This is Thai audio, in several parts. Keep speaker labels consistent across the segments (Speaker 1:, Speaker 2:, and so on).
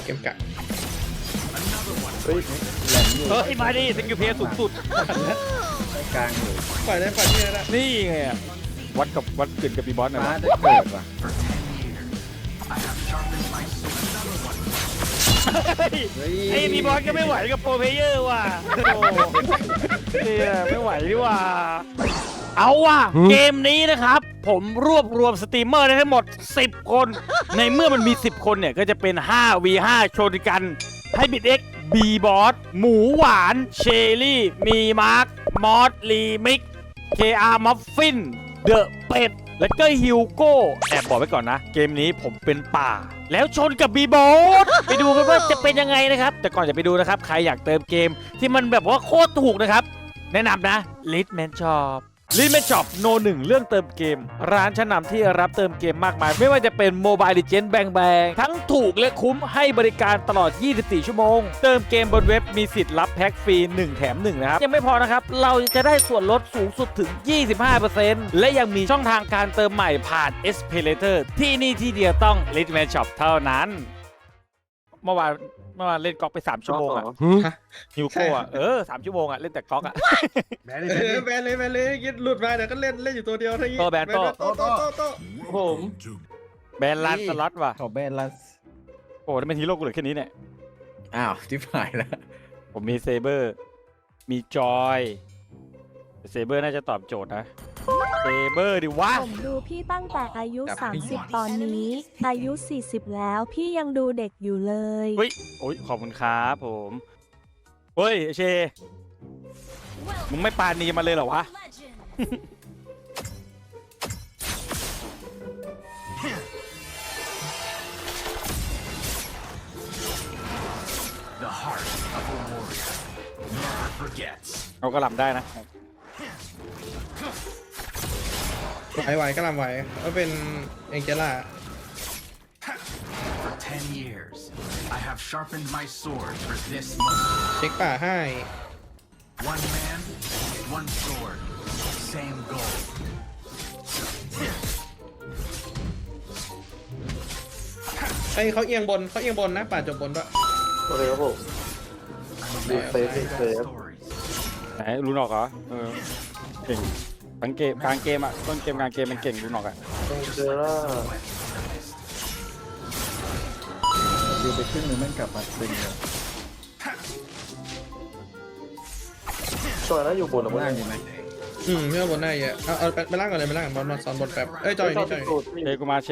Speaker 1: เกมกะ
Speaker 2: เฮ้ยแหลมอยู่
Speaker 3: เฮ้ยมาดิสกิลเพย์สูงสุด
Speaker 2: กลางอยู่
Speaker 1: ปล่อยได้ปล่อยที่ได้
Speaker 3: นี่ไงอะวัดกึ่นกับบีบอสหน่อย
Speaker 2: ฟ้าว
Speaker 3: ะ
Speaker 2: จะเกิดว่ะ
Speaker 3: เฮ้ยไอ้บีบอสก็ไม่ไหวกับโปรเพลเยอร์ว่ะโอ้เนี่ยไม่ไหวดีว่าเอาว่ะเกมนี้นะครับผมรวบรวมสตรีมเมอร์ได้ทั้งหมด10 คนในเมื่อมันมี10 คนเนี่ยก็จะเป็น 5v5 โชว์กันให้บิดเอ็กบีบอสหมูหวานเชอรี่มีมาร์คมอสลีมิก KR มัฟฟินเดอะเป็ดและก็ฮิวโก้แอบบอกไว้ก่อนนะ เกมนี้ผมเป็นป่า แล้วชนกับบีบอสไปดูกันว่าจะเป็นยังไงนะครับ แต่ก่อนจะไปดูนะครับ ใครอยากเติมเกมที่มันแบบว่าโคตรถูกนะครับ แนะนำนะ Litman Shop Litman Shopโนหนึ่งเรื่องเติมเกม ร้านชั้นนำที่รับเติมเกมมากมาย ไม่ว่าจะเป็น Mobile Legends แบงทั้งถูกและคุ้มให้บริการตลอด 24 ชั่วโมง เติมเกมบนเว็บมีสิทธิ์รับแพ็คฟรี 1 แถม 1 นะครับ ยังไม่พอนะครับ เราจะได้ส่วนลดสูงสุดถึง 25% และยังมีช่องทางการเติมใหม่ผ่าน SPayLater ที่นี่ที่เดียวต้อง Litman Shop เท่านั้น เมื่อวานเล่นก๊อกไป3 ชั่วโมงอะฮิวโก้อะ3 ชั่วโมงอะเล่นแต่ก๊อกอะ
Speaker 1: แบนเลยคิดหลุดมาเดี๋ยวก็เล่นอยู่ตัวเดียวเท่านี้
Speaker 3: โต้แบนโต้
Speaker 1: โต้
Speaker 2: ผม
Speaker 3: แบนลันสล็อตว่ะ
Speaker 2: ขอแบนลัส
Speaker 3: โอ้นี่เป็นฮีโร่กูเหลือแค่นี้เนี่ย
Speaker 2: อ้าวจิ๊บหายแล้ว
Speaker 3: ผมมีเซเบอร์ มีจอยเซเบอร์น่าจะตอบโจทย์นะ เซเบอร์ดิวะ
Speaker 4: ผมดูพี่ตั้งแต่อายุ 30 ตอนนี้ อายุ 40 แล้วพี่ยังดูเด็กอยู่เลย
Speaker 3: เฮ้ย โอ้ย ขอบคุณครับผม เฮ้ยเช มึงไม่ปานีมาเลยเหรอวะ เอากระหล่ำได้นะ
Speaker 1: ไหวก็ลำไหวก็เป็นเอ็งเจล่า
Speaker 5: For 10 years, I have sharpened my sword for this moment.
Speaker 1: เช็คป่าให้
Speaker 5: One man, one sword, same goal.
Speaker 1: ไอ้เขาเอียงบนนะป่าจบบนด้วย
Speaker 2: โอเคครับผม ดีเซฟดีเซฟ
Speaker 5: Stories.
Speaker 3: ไหนรู้นอกเหรอ เก่งทั้งเกมกลางเกมอะต้นเกมกลางเกมมันเก่งรู้นอกอะ
Speaker 2: ต้องเจอล่าดูไปขึ้นหนึ่งแม่งกลับมาตึงเลยจอยแล้วอยู่บนหรือล่างอยู่ไหม
Speaker 1: พี่ว่าบนได้เยอะเอาไปล่างก่อนเลยไปล่างบอลมาซ้อนบนแป๊บเอ้ยจอยนี่จอย
Speaker 3: เชกูมาเช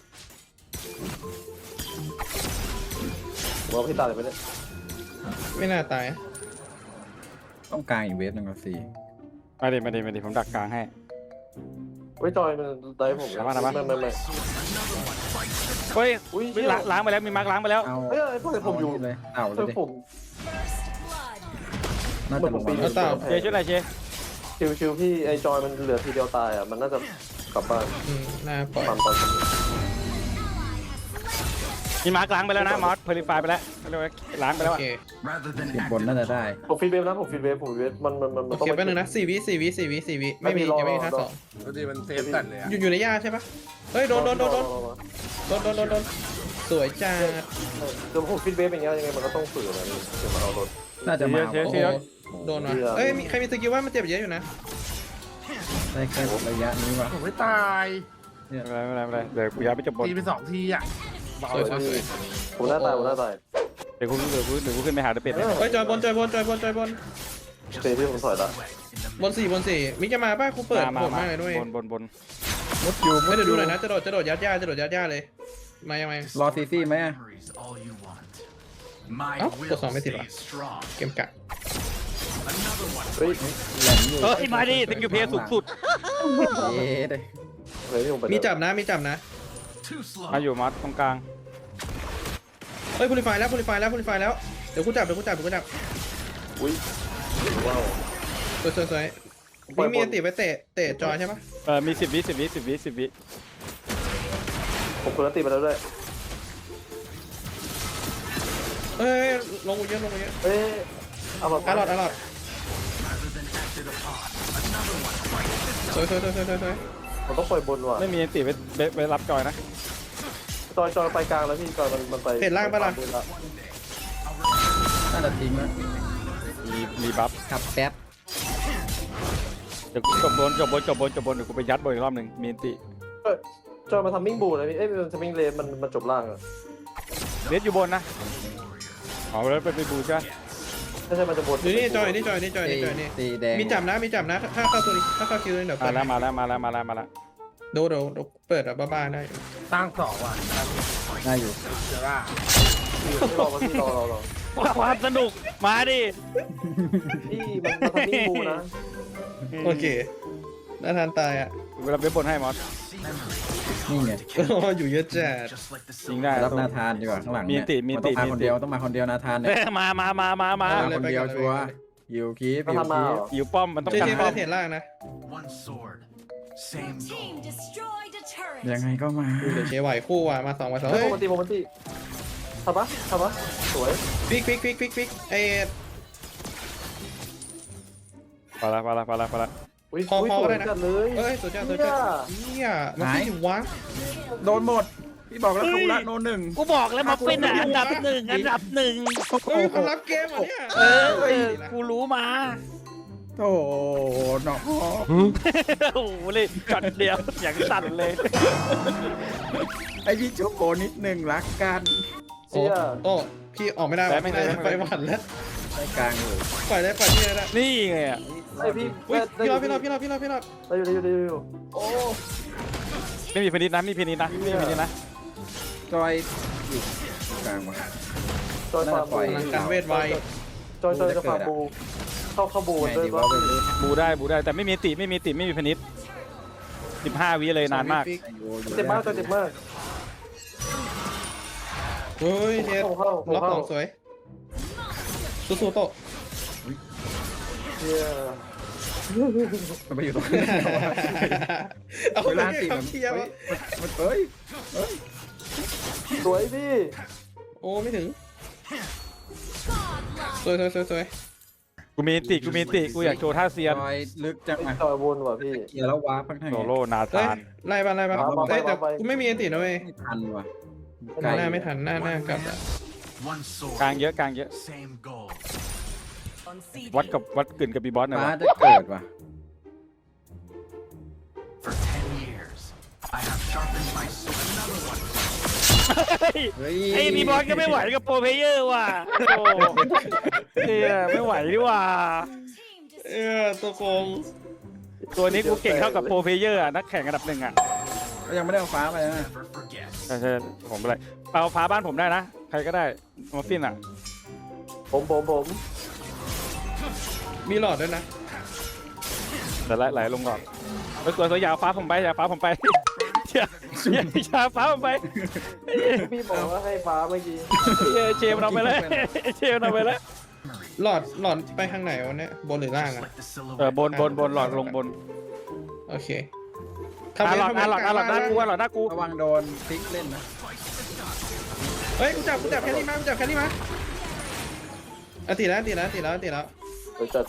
Speaker 2: ว่าพี่ตาเลยไปเลย
Speaker 1: ไม่น่าตาย
Speaker 2: ต้องกลางอีกเวฟหนึ่งกับสี่
Speaker 3: มาดิผมดักกลางให้
Speaker 2: เฮ้ยจอยมันได้ผม
Speaker 3: ทำมา
Speaker 2: ไม่
Speaker 3: เฮ้ย
Speaker 2: อุ้ย
Speaker 3: ล้างไปแล้ว มีมาร์กล้างไปแล้ว
Speaker 2: เอาเฮ้ยพวกผมอยู่เลยเอาเลยดิน่าจะลงมา
Speaker 3: เชช่วยหน่อยเช
Speaker 6: ชิวพี่ไอจอยมันเหลือทีเดียวตายอ่ะมันน่าจะกลับบ้าน
Speaker 1: น่าปล่อย
Speaker 6: ตอน
Speaker 3: มีมาร์กล้างไปแล้วนะมอสเพลิฟายไปแล้วเรียกว่าล้างไปแล้ว
Speaker 1: โอ
Speaker 3: อะ
Speaker 1: เค
Speaker 5: Rather than
Speaker 2: เก็บบนน่าจะได้
Speaker 6: ผมฟีดเวฟนะผมฟีดเวฟมัน
Speaker 1: โอ
Speaker 6: ต้อง
Speaker 1: เคแป๊บนึงนะ4 วิไม่มียังไม่มีท่าสอง
Speaker 7: ปกติมันเซฟตัดเลยอะ
Speaker 1: อยู่ในหญ้าใช่ปะเฮ้ยโดนสวยจ้า
Speaker 6: เดี๋ยวผมฟีดเวฟอย่างเงี้ยยังไงมันก็ต้องฝืนนะเดี๋ยวมันเอารถ
Speaker 2: น่าจะมา
Speaker 3: เช
Speaker 1: โอ้โหโดนว่ะเอ้ยใครมีสกิลว่ามันเจ็บเยอะอยู่นะ
Speaker 2: ได้แค่ระยะนี้วะ
Speaker 7: ผมไม่ตาย
Speaker 3: ไม่เป็นไรเดี๋ยวกูย้ายไปจบบน
Speaker 7: ตีไป2 ทีอ่ะเบา
Speaker 1: สวย
Speaker 6: ผมหน้าตาย
Speaker 3: เดี๋ยวกูขึ้นไปหาเดอะเป็ดเนี่ย
Speaker 1: เฮ้ยจอยบน
Speaker 6: เตะที่ผมถอยละ
Speaker 1: บนสี่มิกจะมาป่ะกูเปิดโหดมากเลยด้วย
Speaker 3: บน
Speaker 2: มุดอยู่
Speaker 1: ไม่เดี๋ยวดูหน่อยนะจะโดดยัดหญ้าเลยมายังไง
Speaker 2: รอซีซี่ไหม
Speaker 5: memories all you want. My
Speaker 1: Oh,
Speaker 5: will
Speaker 1: that's not
Speaker 5: stay
Speaker 1: messy,
Speaker 5: strong.
Speaker 1: เกมกะ
Speaker 5: Another one.
Speaker 6: เฮ้ย
Speaker 2: แหลมอยู่
Speaker 3: เฮ้ยมาดิสกิลเพย์สูงสุด
Speaker 2: เย้ได้
Speaker 6: เฮ้ยผมไป
Speaker 1: มีจับนะ
Speaker 5: Too slow.
Speaker 3: มาอยู่มอสตรงกลาง
Speaker 1: เฮ้ยพูลิฟายแล้วเดี๋ยวกูจับ
Speaker 6: อุ้ยว้าว
Speaker 1: สวยมีอันติไปเตะจอยใช่ปะ
Speaker 3: มี10 วิ
Speaker 6: ผมคนละตีไปแล้วด้วย
Speaker 1: เฮ้ยลงกูเยอะ
Speaker 6: เฮ้ยเอามา
Speaker 1: อร่อย
Speaker 5: Rather than acted upon.
Speaker 1: สวย
Speaker 6: มันต้องปล่อยบนว่ะ
Speaker 3: ไม่มีอันติไปรับจอยนะ
Speaker 6: จอยไปกลางแล้วพี่จอยมันไป
Speaker 1: เห็นล่างปะล่ะ
Speaker 2: น่าจะทิ้งแล้ว
Speaker 3: มีบัฟ
Speaker 2: ขับแป๊บ
Speaker 3: เดี๋ยวกูจบบนเดี๋ยวกูไปยัดบนอีกรอบหนึ่งมีอันติ
Speaker 6: จอยมาทำมิ่งบูนะพี่มันทำมิ่งเลนมันจบล่างอะ
Speaker 3: เลสอยู่บนนะเอาแล้วไปบูใช่ไหม
Speaker 6: ไม่ใช่มันจะบน
Speaker 1: อยู่นี่จอยนี่
Speaker 2: ตีแดง
Speaker 1: มีจับนะถ้าเข้าตัวนี้ถ้าเข้าคิวเลยเดี๋ยว
Speaker 3: มา
Speaker 1: เปิด
Speaker 3: แล้วมาแล้ว
Speaker 1: เดี๋ยวเปิดแบบบ้าๆได้
Speaker 7: ตั้งสองว่ะ
Speaker 2: ได้อยู่
Speaker 7: เจอว่า
Speaker 6: รอพี่รอ
Speaker 3: ความสนุกมาดิ
Speaker 6: พี่มันทำมิ่งบูนะ
Speaker 1: โอเคน่าทานตายอ่ะ
Speaker 3: เวลาเว็บบนให้มอส
Speaker 2: นี่ไง
Speaker 1: อยู่เยอะจัด
Speaker 5: Just like the
Speaker 3: ยิง
Speaker 5: silver.
Speaker 3: ได้
Speaker 2: รับนาธานดีกว่าข้างหลังเนี่ยต้องมาคนเดียวต้องมาคนเดียวนาธานเนี่ย
Speaker 3: มา
Speaker 2: มาคนเดียวชัวร์ยิวคีฟ
Speaker 6: มัน
Speaker 2: ยิว
Speaker 6: ทำมา
Speaker 2: คี
Speaker 6: เห
Speaker 2: ฟ
Speaker 6: รอ
Speaker 3: อยู่ป้อมมันต้อง
Speaker 1: เจ
Speaker 3: การ
Speaker 1: เจ
Speaker 3: ป้
Speaker 1: ไม่
Speaker 3: อม
Speaker 1: ได้เห็นล่างนะ
Speaker 5: One sword, same goal.
Speaker 2: ยังไงก็มา
Speaker 1: เดี๋ยวเชไหวคู่ว่ะมา2
Speaker 6: เฮ้ย
Speaker 1: เฮ้ย
Speaker 6: โมมันตีทำปะสวย
Speaker 1: ฟิกไอ้
Speaker 3: ไปละ
Speaker 6: อุ้ย
Speaker 1: พอ
Speaker 6: สวย
Speaker 1: ได้นะ
Speaker 6: จัดเลย
Speaker 1: เอ้ยสุดยอดเนี่ยมันไม่ถึงวะ
Speaker 2: โดนหมดพี่บอกแล้วคาบุระโนหนึ่ง
Speaker 3: กูบอกแล้วมาเป็นอันดับหนึ่ง
Speaker 1: เฮ้ยคนรับเกมเหรอเนี่ย
Speaker 3: กูรู้มา
Speaker 2: โอ้โหน้อง
Speaker 3: โอ้โหเลยจอดเดียวอย่างสั่นเลย
Speaker 2: ไอพี่ชุบโบนิดหนึ่งรักกัน
Speaker 1: โอ้พี่ออกไม่ได้ไปหวั่นแล้ว
Speaker 2: ได้กลางเลย
Speaker 1: ปล่อยที่ได้
Speaker 3: นี่ไงอ่ะ
Speaker 6: ไอพี่
Speaker 1: พี่รอด
Speaker 6: ได้อยู่
Speaker 1: โอ้
Speaker 3: ไม่มีพินิจนะไม่มีพินิจนะ
Speaker 2: จอยอยู่กลางมา
Speaker 6: จอยฟาร์ม
Speaker 1: พลังการเวทไว
Speaker 6: จอยจะฟาร์มบูเข้าบู
Speaker 2: ไง
Speaker 6: ด้วย
Speaker 2: ดีว่าไปเลย
Speaker 3: บูได้แต่ไม่มีติไม่มีพินิจ15 วิเลยนานมาก
Speaker 6: เจ็บมากจอยเจ็บมาก
Speaker 1: เฮ้ยเจ็ดล็อกของสวยสู้โต
Speaker 6: เนี่ย
Speaker 2: มันไปอยู่ตรงนี้
Speaker 1: เอา
Speaker 2: เว
Speaker 1: เว
Speaker 2: ลา
Speaker 1: ลา
Speaker 2: ตี
Speaker 1: ตี
Speaker 2: มัน
Speaker 1: เทียบ
Speaker 2: มันเอ้ย
Speaker 6: สวยพี่
Speaker 1: โอ้ไม่ถึงสวย
Speaker 3: กูมีติกูอยากโชว์ท่าเซียน
Speaker 2: จอยลึกจังอ่ะ
Speaker 6: จอยวนว่ะพี่
Speaker 2: เกียร์แล้ววาร์ปข้างใน
Speaker 3: โซโล่นา
Speaker 1: เฮ้ย
Speaker 3: ธาน
Speaker 1: ไล่บ้างแต่กูไม่มีอันตินะเว้ย
Speaker 2: ไม่ทันว่ะ
Speaker 1: หน้าไม่ทันหน้ากลับ
Speaker 5: One sword,
Speaker 3: กลางเยอะ
Speaker 5: same goal.
Speaker 3: วัดกึ่นกับบีบอสหน่อย
Speaker 2: ฟ้า
Speaker 3: ว่ะ
Speaker 2: จะเกิดว่ะ
Speaker 5: For 10 years, I have sharpened my sword. Another one.
Speaker 3: ไอ้บีบอสก็ไม่ไหวกับโปรเพเยอร์ว่ะโอ้เนี่ยไม่ไหวดิว่ะ
Speaker 1: ตัวโกง
Speaker 3: ตัวนี้กูเก่งเท่ากับโปรเพเยอร์นักแข่งอันดับ 1อ่ะ
Speaker 2: ก็ยังไม่ได้เอาฟ้าไปนะ
Speaker 5: Never forget.
Speaker 3: ใช่ผมไปเลยเอาพาบ้านผมได้นะใครก็ได้มอฟฟินอ่ะ
Speaker 6: ผม
Speaker 1: มีหลอดด้วยนะ
Speaker 3: แต่ไหลลงก่อนไปสวยอย่าฟ้าผมไปอย่าฟ้าผมไปอย่าฟ้าผมไป
Speaker 6: พี่บอกว่าให้ฟ้าเมื่อกี้
Speaker 3: เชมเราไปเลย
Speaker 1: หลอดไปทางไหนวะเนี่ยบนหรือล่าง
Speaker 5: Just
Speaker 1: อ่ะ
Speaker 5: like the silhouette.
Speaker 3: บนหลอดลงบน
Speaker 1: โอเค
Speaker 3: หลอดหน้ากูหลอดหน้ากู
Speaker 2: ระวังโดนพลิกเล่นนะ
Speaker 1: เฮ้ยกูจับแค่นี้มาตีแล้ว
Speaker 6: เดี๋ยวจัด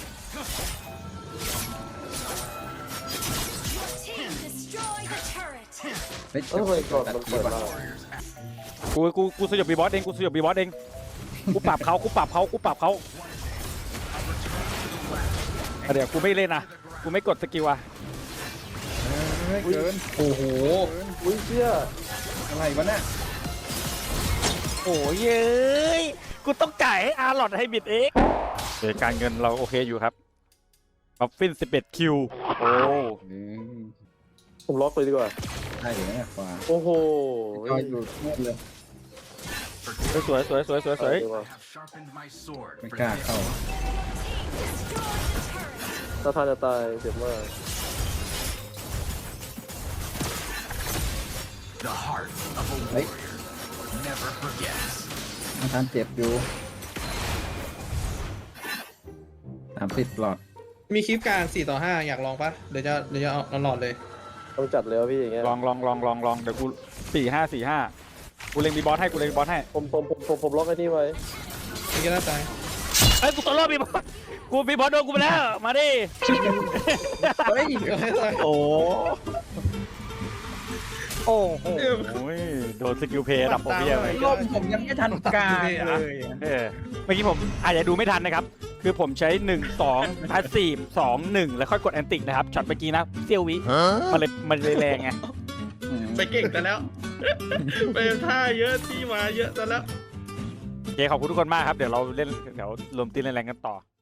Speaker 2: เฮ้ย
Speaker 6: เฮ้ยก่อนมันเปิดมา
Speaker 3: กูสยบบีบอสเองกูปรับเขาเดี๋ยวกูไม่เล่นนะกูไม่กดสกิลอ่ะ
Speaker 2: เกิน
Speaker 1: โอ้โห
Speaker 6: อุ้ยเชี่ย
Speaker 2: อะไรวะเนี่ย
Speaker 3: โอ้ยเย้ยกูต้องจ่ายให้อาร์ลอดให้บิดเองการเงินเราโอเคอยู่ครับออฟฟิน11 คิวโอ้
Speaker 6: ผมล็อกเลยดีกว่า
Speaker 2: ได้อยู่นะฟ้า
Speaker 6: โอ้โห
Speaker 2: จอยอยู่เงียบเลย
Speaker 3: สวย
Speaker 5: I have sharpened my sword
Speaker 2: ไม่
Speaker 5: for
Speaker 2: กล้า
Speaker 5: this.
Speaker 2: เข้า
Speaker 6: ถ้าทานจะตายเจ็บมาก
Speaker 5: The heart of a
Speaker 2: Hey.
Speaker 5: warrior never forgets.
Speaker 2: นาธานเจ็บอยู่30 หลอด
Speaker 1: มีคลิปกลาง4-5อยากลองปะเดี๋ยวจะเอาหลอดเลย
Speaker 6: ต้องจัดเลยพี่อย่างเงี้ย
Speaker 3: ลองเดี๋ยวกู4-5กูเล็งบีบอสให้
Speaker 6: ผมล็อกไอ้นี่ไว้
Speaker 1: นี่ก็น่าตาย
Speaker 3: เอ้ยกูตัวรอดบีบอสโดนกูไปแล้วมาดิ
Speaker 2: เฮ้ย
Speaker 1: ก็ให้ตาย
Speaker 3: โอ้โอ้โหโดนสกิลเพย์ระดับโปรเพียไป
Speaker 8: รอบผมยังไม่ทันกลางเลย
Speaker 3: เมื่อกี้ผมอาจจะดูไม่ทันนะครับ คือผมใช้ 1 2 พาสซีฟ2 1 แล้วค่อยกดแอนติกนะครับช็อตเมื่อกี้นะเซียววิมันเลยแรงไง
Speaker 1: ไปเก่งแต่แล้ว ไปท่าเยอะที่มาเยอะแต่แล้ว
Speaker 3: โอเคขอบคุณทุกคนมากครับ เดี๋ยวเราเล่นเดี๋ยวรวมตีเล่นแรงกันต่อ